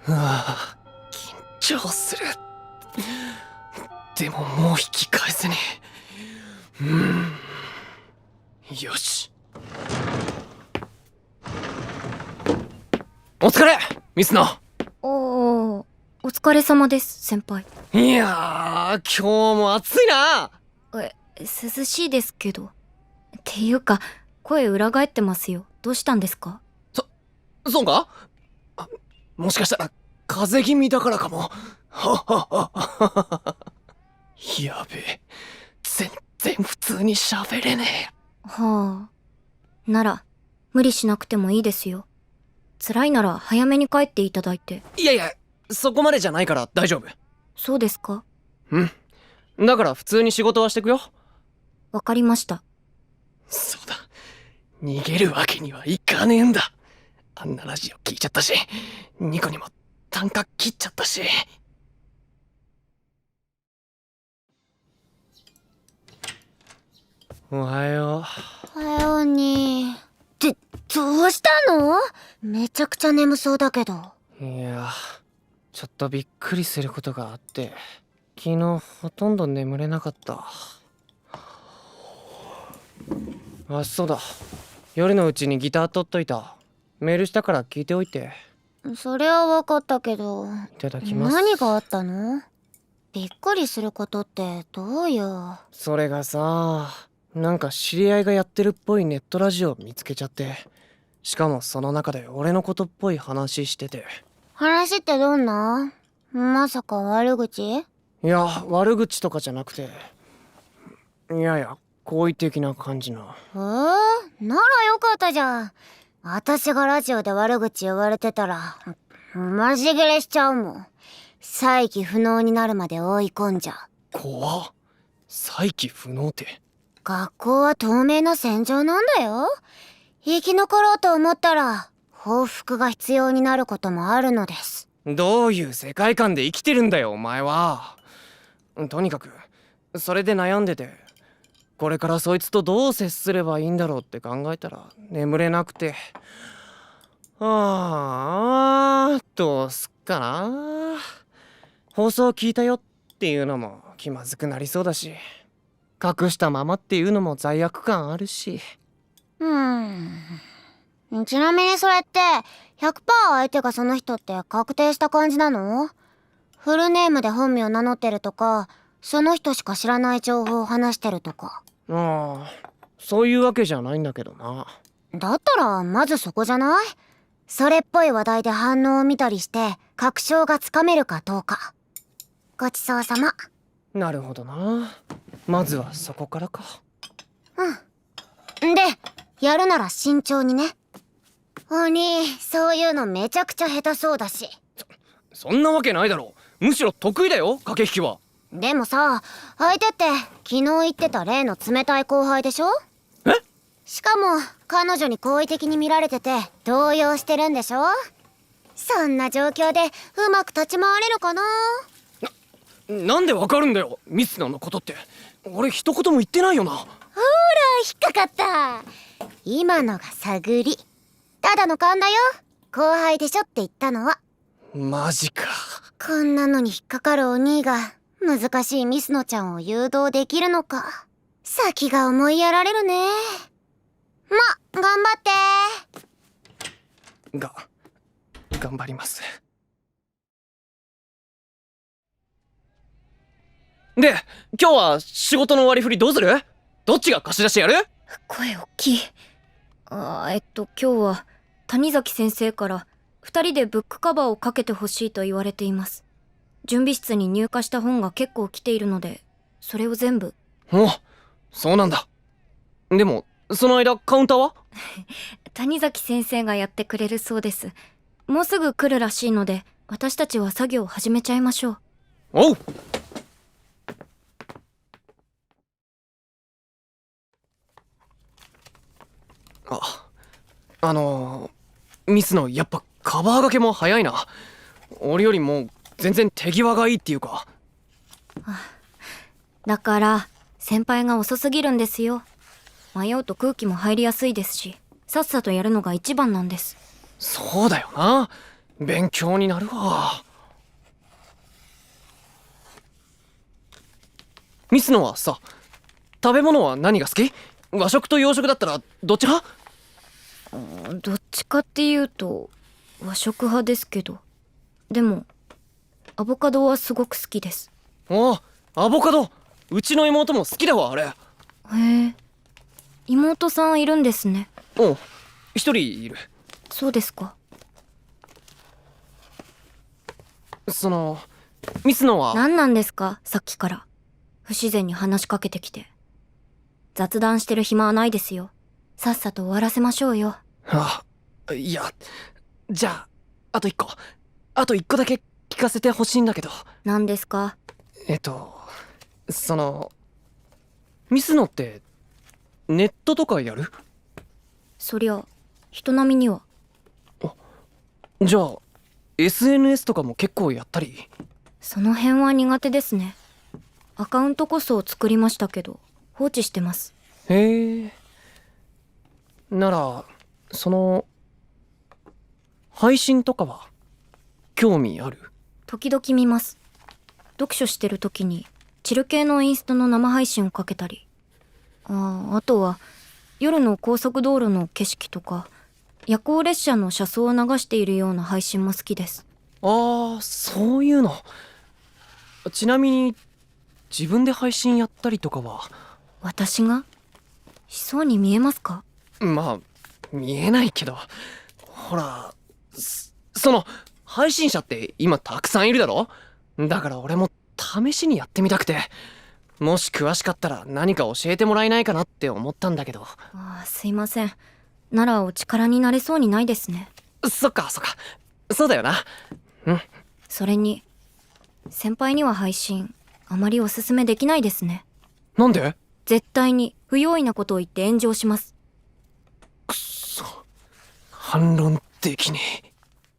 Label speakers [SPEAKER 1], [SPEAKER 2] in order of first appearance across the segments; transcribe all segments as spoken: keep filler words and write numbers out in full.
[SPEAKER 1] うわ緊張する。でももう引き返せねえ。うんよし。お疲れミスナ。
[SPEAKER 2] おー、お疲れ様です先輩。
[SPEAKER 1] いやー今日も暑いな。
[SPEAKER 2] え、涼しいですけど。っていうか声裏返ってますよ。どうしたんですか？
[SPEAKER 1] そそうか。あもしかしたら風邪気味だからかも。はははは。やべえ、全然普通に喋れねえ。
[SPEAKER 2] はあ、なら無理しなくてもいいですよ。辛いなら早めに帰っていただいて。
[SPEAKER 1] いやいや、そこまでじゃないから大丈夫。
[SPEAKER 2] そうですか？
[SPEAKER 1] うんだから普通に仕事はしてくよ。
[SPEAKER 2] わかりました。
[SPEAKER 1] そうだ、逃げるわけにはいかねえんだ。あんなラジオ聞いちゃったし、ニコにも単価切っちゃったし。おはよ
[SPEAKER 3] おはように。ってどうしたの？めちゃくちゃ眠そうだけど。
[SPEAKER 1] う。いやちょっとびっくりすることがあって、昨日ほとんど眠れなかった。あ、そうだ、夜のうちにギター取っといた。メールしたから聞いておいて。
[SPEAKER 3] それは分かったけど、
[SPEAKER 1] いただきます。
[SPEAKER 3] 何があったの？びっくりすることってどういう？
[SPEAKER 1] それがさ、なんか知り合いがやってるっぽいネットラジオ見つけちゃって、しかもその中で俺のことっぽい話してて。
[SPEAKER 3] 話ってどんな？まさか悪口？
[SPEAKER 1] いや悪口とかじゃなくて、いやや好意的な感じの。
[SPEAKER 3] えー、ならよかったじゃん。私がラジオで悪口言われてたらマジ切れしちゃうもん。再起不能になるまで追い込んじゃう。
[SPEAKER 1] 怖っ。再起不能って。
[SPEAKER 3] 学校は透明な戦場なんだよ。生き残ろうと思ったら報復が必要になることもあるのです。
[SPEAKER 1] どういう世界観で生きてるんだよお前は。とにかくそれで悩んでて、これからそいつとどう接すればいいんだろうって考えたら眠れなくて、ああどうすっかな。放送聞いたよっていうのも気まずくなりそうだし、隠したままっていうのも罪悪感あるし。
[SPEAKER 3] うーん。ちなみにそれって ひゃくパーセント 相手がその人って確定した感じなの？フルネームで本名名乗ってるとか、その人しか知らない情報を話してるとか。
[SPEAKER 1] ああそういうわけじゃないんだけどな。
[SPEAKER 3] だったらまずそこじゃない？それっぽい話題で反応を見たりして確証がつかめるかどうか。ごちそうさま。
[SPEAKER 1] なるほどな。まずはそこからか。
[SPEAKER 3] うん。で、やるなら慎重にね。お兄、そういうのめちゃくちゃ下手そうだし。
[SPEAKER 1] そんなわけないだろ。むしろ得意だよ駆け引きは。
[SPEAKER 3] でもさ、相手って昨日言ってた例の冷たい後輩でしょ？
[SPEAKER 1] え？
[SPEAKER 3] しかも彼女に好意的に見られてて動揺してるんでしょ？そんな状況でうまく立ち回れるかな？
[SPEAKER 1] なんでわかるんだよミスナのことって。俺一言も言ってないよな。
[SPEAKER 3] ほら引っかかった。今のが探り。ただの勘だよ。後輩でしょって言ったのは。
[SPEAKER 1] マジか。
[SPEAKER 3] こんなのに引っかかるお兄が難しいミスノちゃんを誘導できるのか。先が思いやられるね。ま、頑張って
[SPEAKER 1] が頑張ります。で今日は仕事の割り振りどうする？どっちが貸し出しやる？
[SPEAKER 2] 声大きい。あーえっと今日は谷崎先生から二人でブックカバーをかけてほしいと言われています。準備室に入荷した本が結構来ているので、それを全部。
[SPEAKER 1] お、そうなんだ。でもその間カウンターは？
[SPEAKER 2] 谷崎先生がやってくれるそうです。もうすぐ来るらしいので、私たちは作業を始めちゃいましょう。
[SPEAKER 1] おう。あ、あのー、ミスのやっぱカバー掛けも早いな。俺よりも全然手際がいいっていうか。
[SPEAKER 2] だから先輩が遅すぎるんですよ。迷うと空気も入りやすいですし、さっさとやるのが一番なんです。
[SPEAKER 1] そうだよな。 勉強になるわ。ミスノはさ、食べ物は何が好き？和食と洋食だったらどっち派？
[SPEAKER 2] どっちかっていうと和食派ですけど、でもアボカドはすごく好きです。
[SPEAKER 1] ああ、アボカド、うちの妹も好きだわあれ。
[SPEAKER 2] へえ、妹さんいるんですね。
[SPEAKER 1] うん、一人いる。
[SPEAKER 2] そうですか。
[SPEAKER 1] そのミスノは
[SPEAKER 2] 何なんですか、さっきから不自然に話しかけてきて。雑談してる暇はないですよ。さっさと終わらせましょうよ。
[SPEAKER 1] あ、いや、じゃああと一個あと一個だけ聞かせてほしいんだけど。
[SPEAKER 2] 何ですか？
[SPEAKER 1] えっとそのミスノってネットとかやる？
[SPEAKER 2] そりゃ人並みには。
[SPEAKER 1] じゃあ エスエヌエス とかも結構やったり？
[SPEAKER 2] その辺は苦手ですね。アカウントこそ作りましたけど放置してます。
[SPEAKER 1] へえ。ならその配信とかは興味ある？
[SPEAKER 2] 時々見ます。読書してる時にチル系のインスタの生配信をかけたり、ああ、あとは夜の高速道路の景色とか夜行列車の車窓を流しているような配信も好きです。
[SPEAKER 1] ああ、そういうの。ちなみに自分で配信やったりとかは？
[SPEAKER 2] 私がしそうに見えますか？
[SPEAKER 1] まあ見えないけど、ほら、そその配信者って今たくさんいるだろ。だから俺も試しにやってみたくて、もし詳しかったら何か教えてもらえないかなって思ったんだけど。
[SPEAKER 2] ああ、すいません。ならお力になれそうにないですね。
[SPEAKER 1] そっかそっか、そうだよな。うん。
[SPEAKER 2] それに先輩には配信あまりおすすめできないですね。
[SPEAKER 1] なんで？
[SPEAKER 2] 絶対に不用意なことを言って炎上します。
[SPEAKER 1] くっそ、反論できねえ。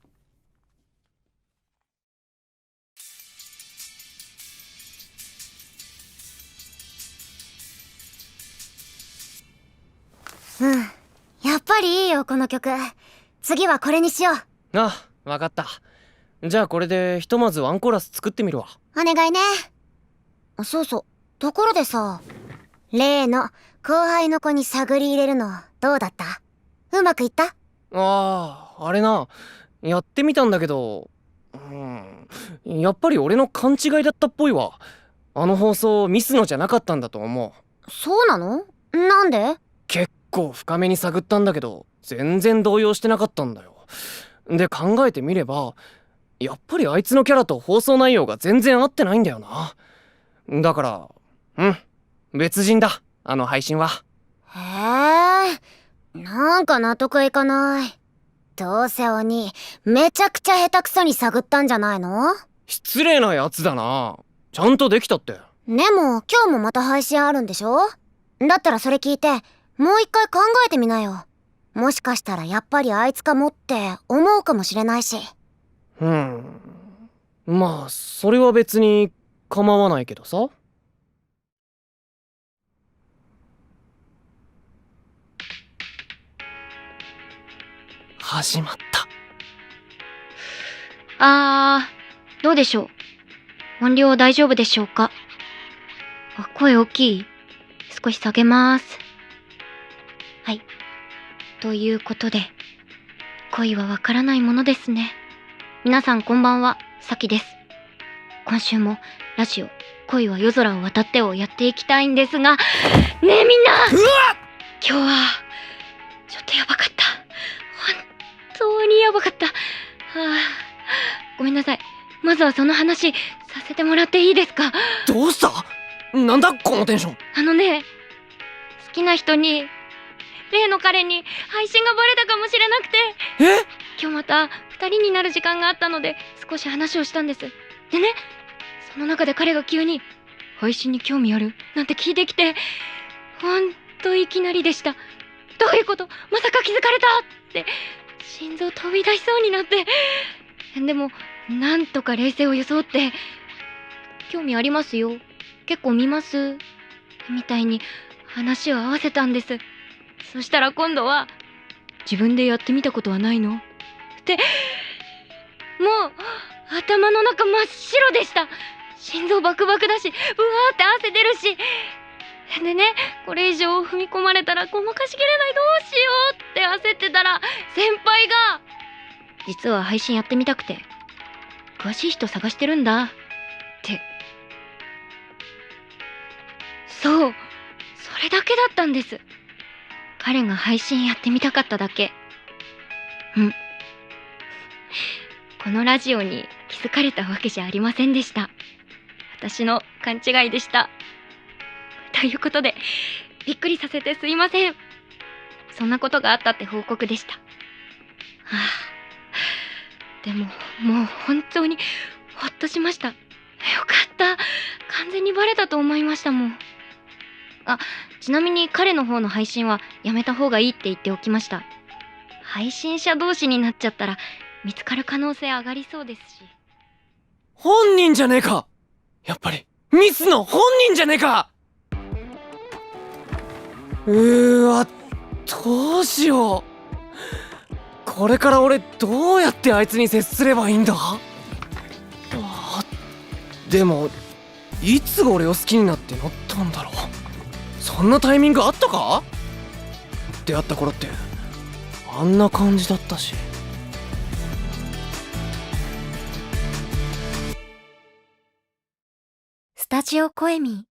[SPEAKER 3] うん、やっぱりいいよこの曲。次はこれにしよう。
[SPEAKER 1] あ、わかった。じゃあこれでひとまずワンコーラス作ってみるわ。
[SPEAKER 3] お願いね。そうそう、ところでさ、例の後輩の子に探り入れるのどうだった？うまくいった？
[SPEAKER 1] ああ、あれな、やってみたんだけど、うん、やっぱり俺の勘違いだったっぽいわ。あの放送ミスのじゃなかったんだと思う。
[SPEAKER 3] そうなの？なんで？
[SPEAKER 1] 結構深めに探ったんだけど全然動揺してなかったんだよ。で考えてみればやっぱりあいつのキャラと放送内容が全然合ってないんだよな。だからうん別人だあの配信は。
[SPEAKER 3] へえ、なんか納得いかない。どうせ鬼めちゃくちゃ下手くそに探ったんじゃないの？
[SPEAKER 1] 失礼なやつだな。ちゃんとできたって。
[SPEAKER 3] でも今日もまた配信あるんでしょ？だったらそれ聞いてもう一回考えてみなよ。もしかしたらやっぱりあいつかもって思うかもしれないし。
[SPEAKER 1] うんまあそれは別に構わないけどさ。始まった。
[SPEAKER 2] あー、どうでしょう。音量大丈夫でしょうか。あ、声大きい。少し下げます。はい。ということで、恋はわからないものですね。皆さんこんばんは、さきです。今週もラジオ恋は夜空を渡ってをやっていきたいんですが、ねえみんな、
[SPEAKER 1] うわっ、
[SPEAKER 2] 今日はちょっとやばかった。本当にやばかった。はあ、ごめんなさい。まずはその話させてもらっていいですか？
[SPEAKER 1] どうした？なんだこのテンション。
[SPEAKER 2] あのね、好きな人に、例の彼に配信がバレたかもしれなくて、
[SPEAKER 1] え？
[SPEAKER 2] 今日また二人になる時間があったので少し話をしたんです。でね、その中で彼が急に配信に興味あるなんて聞いてきて、ほんといきなりでした。どういうこと？まさか気づかれたって心臓飛び出しそうになって、でもなんとか冷静を装って、興味ありますよ、結構見ますみたいに話を合わせたんです。そしたら今度は、自分でやってみたことはないのってもう頭の中真っ白でした。心臓バクバクだし、うわーって汗出るし。でね、これ以上踏み込まれたらごまかしきれない、どうしようって焦ってたら、先輩が実は配信やってみたくて詳しい人探してるんだって。そう、それだけだったんです。彼が配信やってみたかっただけ。うん。このラジオに気づかれたわけじゃありませんでした。私の勘違いでした。ということで、びっくりさせてすいません。そんなことがあったって報告でした。はあ、でももう本当にほっとしました。よかった。完全にバレたと思いましたもん。あ、ちなみに彼の方の配信はやめた方がいいって言っておきました。配信者同士になっちゃったら見つかる可能性上がりそうですし。
[SPEAKER 1] 本人じゃねえか。やっぱりミスの本人じゃねえか。うーわ、どうしよう。これから俺どうやってあいつに接すればいいんだ。あ、でもいつ俺を好きになってなったんだろう。そんなタイミングあったか。出会った頃ってあんな感じだったし。
[SPEAKER 2] スタジオコエミ